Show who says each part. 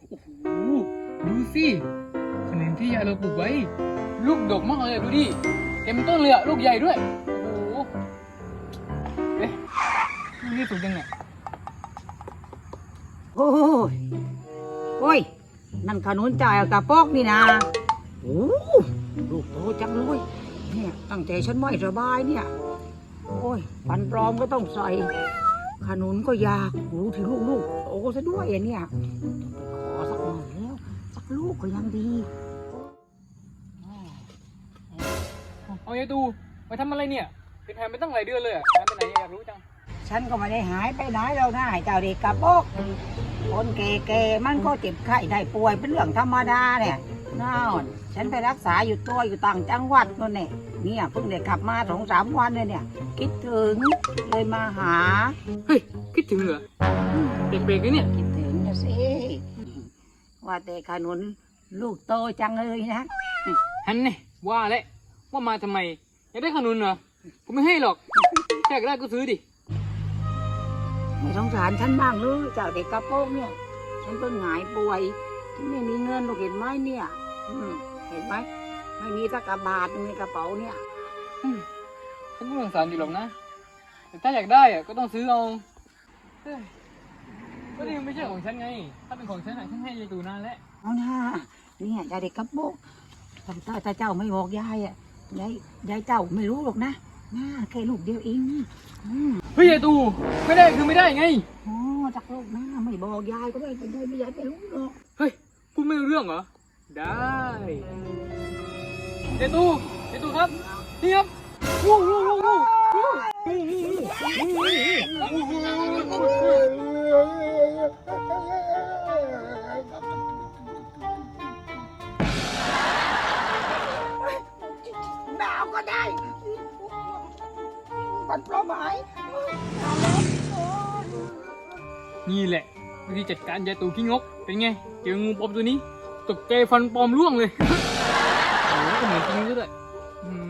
Speaker 1: โอ้โหดูสิขนุนที่ยายเราปลูกไว้ ลูกดกมากเลยดูดิเต็มต้นเลยอะลูกใหญ่ด้วยโอ้โหเอ๊ะนี่สุกยังไง
Speaker 2: โอ้ยโอ้ยนั่นขนุนจ่ายกระปอกนี่นะโอ้ลูกโตจังเลยเนี่ยตั้งใจฉันไม่สบายเนี่ยโอ้ยฟันปลอมก็ต้องใส่ขนุนก็ยากรู้ถึงลูกโตซะด้วยเนี่ยขอสักหน่อยแล้วสักลูกก็ยังดี
Speaker 1: เอายายตูไปทำอะไรเนี่ยเป็นหายไปตั้งหลายเดือนเลยอะหายไปไหนอยากรู้จัง
Speaker 2: ฉันก็ไม่ได้หายไปไหนแล้วนะเจ้าเด็กกระปอกคนแก่ๆมันก็เจ็บไข้ได้ป่วยเป็นเรื่องธรรมดาเนี่ยน่าฉันไปรักษาอยู่ต่างจังหวัดนั่นเนี่ยเพิ่งได้กลับมา2-3 วันเลยเนี่ยคิดถึงเลยมาหา
Speaker 1: เฮ้ยคิดถึงเหรอเด็กๆเนี่ย
Speaker 2: คิดถึงนะสิว่าแต่ขนุนลูกโตจังเลยนะ
Speaker 1: ฮันเนี่ยว่าแล้วว่ามาทำไมอยากได้ขนุนเหรอผมไม่ให้หรอกแค่อยากได้ก็ซื้อดิ
Speaker 2: ไม่สงสารฉันบ้างเลยเจ้าเด็กกระโปรงเนี่ยฉันเพิ่งหายป่วยฉันไม่มีเงินลูกเห็นไหมเนี่ยเห็นไหมไม่มีสักกระบาทหนึ่งในกระเป๋าเนี่ย
Speaker 1: ฉันก็สงสารอยู่หรอกนะแต่ถ้าอยากได้อะก็ต้องซื้อเอาเฮ้ยก็นี่มันไม่ใช่ของฉันไงถ้าเป็นของฉันอะฉันให้ยายตูนานแล้ว
Speaker 2: เอาหน้าเนี่ยยายเด็กกระโปงถ้าเจ้าไม่บอกยายอ่ะยายเจ้าไม่รู้หรอกนะน่าแค่ลูกเดียวเอง
Speaker 1: เฮ้ยยายตูไม่ได้คือไม่ได้ไง
Speaker 2: อ๋อจากลูกนะไม่บอกยายก็ไม่เป็นไรไม่ยายไม่รู้หรอก
Speaker 1: เฮ้ยพูดไม่รู้เรื่องเหรอได้ยายตูครับนี่ครับวู้วู้วู้วู้วู้
Speaker 2: หนาวก็ได้ปันปลอมหาย
Speaker 1: นี่แหละวิธีจัดการยายตูขี้งกเป็นไงเจองูปลอมตัวนี้ตกใจฟันปลอมร่วงเลยโอ้โหเหมือนจริงด้วย